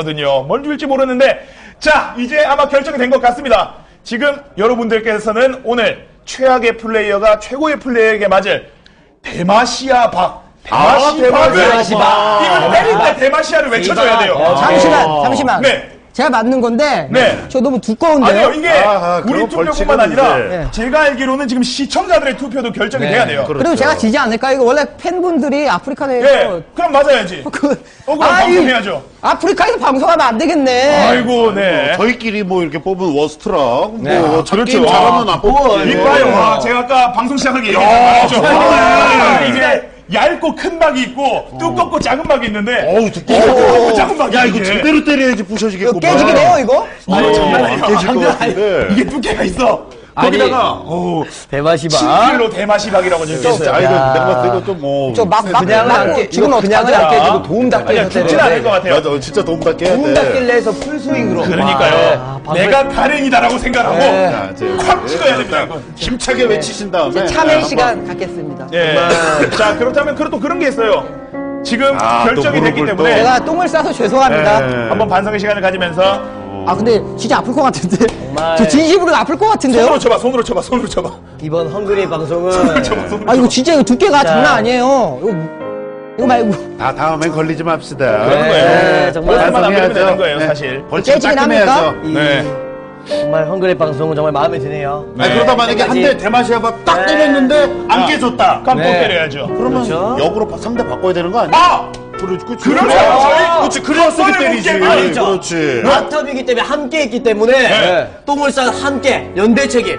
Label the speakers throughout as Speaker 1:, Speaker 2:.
Speaker 1: 거든요. 뭘 줄지 모르는데 자 이제 아마 결정이 된 것 같습니다. 지금 여러분들께서는 오늘 최악의 플레이어가 최고의 플레이어에게 맞을 대마시아 박 대마시박을 이걸 때릴 때 대마시아를 외쳐줘야 돼요.
Speaker 2: 잠시만.
Speaker 1: 네.
Speaker 2: 제가 맞는 건데
Speaker 1: 네.
Speaker 2: 저 너무 두꺼운데요?
Speaker 1: 아니요 이게 우리 투표뿐만 아니라 제가 알기로는 지금 시청자들의 투표도 결정이 돼야 돼요.
Speaker 2: 그렇죠. 그리고 제가 지지 않을까? 이거 원래 팬분들이 아프리카 내에서
Speaker 1: 네. 그럼 맞아야지. 그럼 방송해야죠.
Speaker 2: 아프리카에서 방송하면 안 되겠네.
Speaker 1: 아이고 네.
Speaker 3: 저희끼리 뭐 이렇게 뽑은 워스트락
Speaker 1: 네.
Speaker 3: 뭐
Speaker 1: 그렇죠.
Speaker 3: 잘하면 안 뽑아요.
Speaker 1: 이봐요. 제가 아까 방송 시작하기 얘기했잖아요. 이게 얇고 큰 박이 있고 두껍고 작은 박이 있는데 두껍고 작은 박이
Speaker 3: 야 이거 제대로 때려야지 부셔지겠구만.
Speaker 2: 깨지게 돼요 이거?
Speaker 1: 장난 아니야.
Speaker 3: 깨질 것 같은데.
Speaker 1: 이게 두께가 있어. 거기다가
Speaker 4: 대마시박
Speaker 1: 7kg 대마시박이라고 적혀있어요.
Speaker 3: 아 이거 내가 봤을 때 이거 좀 뭐.
Speaker 2: 그냥 지금
Speaker 4: 그냥은 안 깨지고 도움 닫게 해서
Speaker 1: 죽진 않을 것 같아요.
Speaker 3: 맞아 진짜 도움 닫게 해야 돼.
Speaker 4: 도움 닫기를 해서 풀스윙으로.
Speaker 1: 그러니까요. 내가 가렌이다라고 생각하고 콱 찍어야 됩니다.
Speaker 3: 힘차게 외치신 다음에.
Speaker 2: 참여 시간 갖겠습니다.
Speaker 1: 예. 자 그렇다면 또 그런 게 있어요. 지금 결정이 됐기 때문에
Speaker 2: 제가 똥을 싸서 죄송합니다.
Speaker 1: 한번 반성의 시간을 가지면서
Speaker 2: 근데 진짜 아플 것 같은데. 저 진심으로 아플 것 같은데요?
Speaker 1: 손으로 쳐봐.
Speaker 4: 이번 헝그리 방송은
Speaker 2: 이거 진짜 이거 두께가 장난 아니에요. 이거 말고.
Speaker 3: 다음엔 걸리지 맙시다.
Speaker 1: 그런 거예요.
Speaker 4: 네, 정말
Speaker 1: 말만 안 되면 되는 거예요, 사실.
Speaker 3: 벌칙
Speaker 2: 깨지긴
Speaker 3: 따끔해야죠.
Speaker 1: 네.
Speaker 4: 정말 헝그리 방송은 정말 마음에 드네요.
Speaker 3: 그러다 만약에 한 대 대마시아박 딱 때렸는데 안 깨졌다.
Speaker 1: 그럼 또 때려야죠.
Speaker 3: 그러면
Speaker 4: 그렇죠.
Speaker 3: 역으로 상대 바꿔야 되는 거 아니야? 그렇지.
Speaker 1: 그렇죠.
Speaker 3: 그래서 때리지.
Speaker 4: 그렇죠.
Speaker 3: 그렇지.
Speaker 4: 마탑이기 때문에 함께 했기 때문에 똥을 싸서 함께 연대 책임.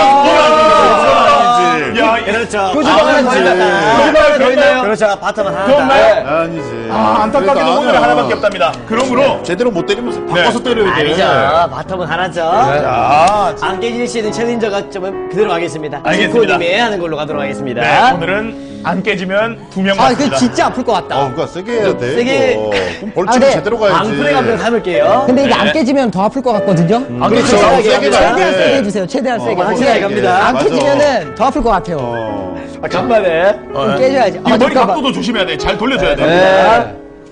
Speaker 3: 아니지.
Speaker 1: 야,
Speaker 4: 그렇죠.
Speaker 2: 표지방을 더
Speaker 4: 표지방을 더 있나요? 그렇죠. 바텀은 하나.
Speaker 1: 그런가요?
Speaker 3: 아니지.
Speaker 1: 안타깝게도 오늘은 하나밖에 없답니다. 그러므로
Speaker 3: 제대로 못 때리면 바꿔서 때려야 돼.
Speaker 4: 아니죠. 바텀은 하나죠.
Speaker 1: 자,
Speaker 4: 안 깨질 수 있는 챌린저가 좀 그대로 가겠습니다.
Speaker 1: 알겠습니다.
Speaker 4: 님이 하는 걸로 가도록 하겠습니다.
Speaker 1: 네, 오늘은 안 깨지면 2명
Speaker 2: 이거
Speaker 1: 맞습니다.
Speaker 2: 진짜 아플 것 같다.
Speaker 3: 그러니까 세게 해야 돼.
Speaker 4: 세게.
Speaker 3: 이거. 그럼 벌칙은
Speaker 2: 네.
Speaker 3: 제대로 가야지.
Speaker 4: 방풀의 감정 담을게요.
Speaker 2: 근데 이게 안 깨지면 더 아플 것 같거든요.
Speaker 4: 안
Speaker 3: 그렇죠.
Speaker 4: 깨지면
Speaker 3: 세게
Speaker 4: 세게
Speaker 3: 가야
Speaker 2: 최대한
Speaker 3: 돼.
Speaker 2: 세게 해주세요. 최대한 세게.
Speaker 4: 확실하게 갑니다.
Speaker 2: 안
Speaker 3: 맞아.
Speaker 2: 깨지면은 더 아플 것 같아요.
Speaker 4: 간만에.
Speaker 2: 좀 깨져야지.
Speaker 1: 이 머리
Speaker 2: 잠깐만.
Speaker 1: 각도도 조심해야 돼. 잘 돌려줘야 돼.
Speaker 4: 네.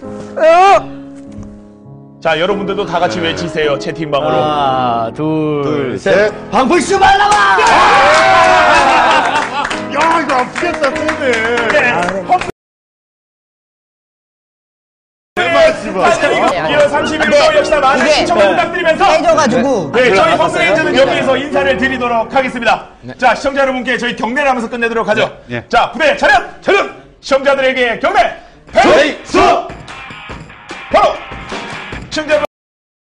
Speaker 1: 자, 여러분들도 다 같이 외치세요. 채팅방으로.
Speaker 4: 하나, 둘, 셋.
Speaker 3: 셋.
Speaker 4: 방풀쇼 말라와!
Speaker 3: 야, 이거 아프겠다, 쏘네.
Speaker 1: 자, 1월 31일 역시나 많은
Speaker 2: 이게
Speaker 1: 시청을 부탁드리면서
Speaker 2: 깨져가지고.
Speaker 1: 네, 저희 홈페이지는 여기에서 인사를 드리도록 하겠습니다. 자, 시청자 여러분께 저희 경례를 하면서 끝내도록 하죠. 자, 부대 차렷! 시청자들에게 경례! 패스! 바로! 시청자 여러분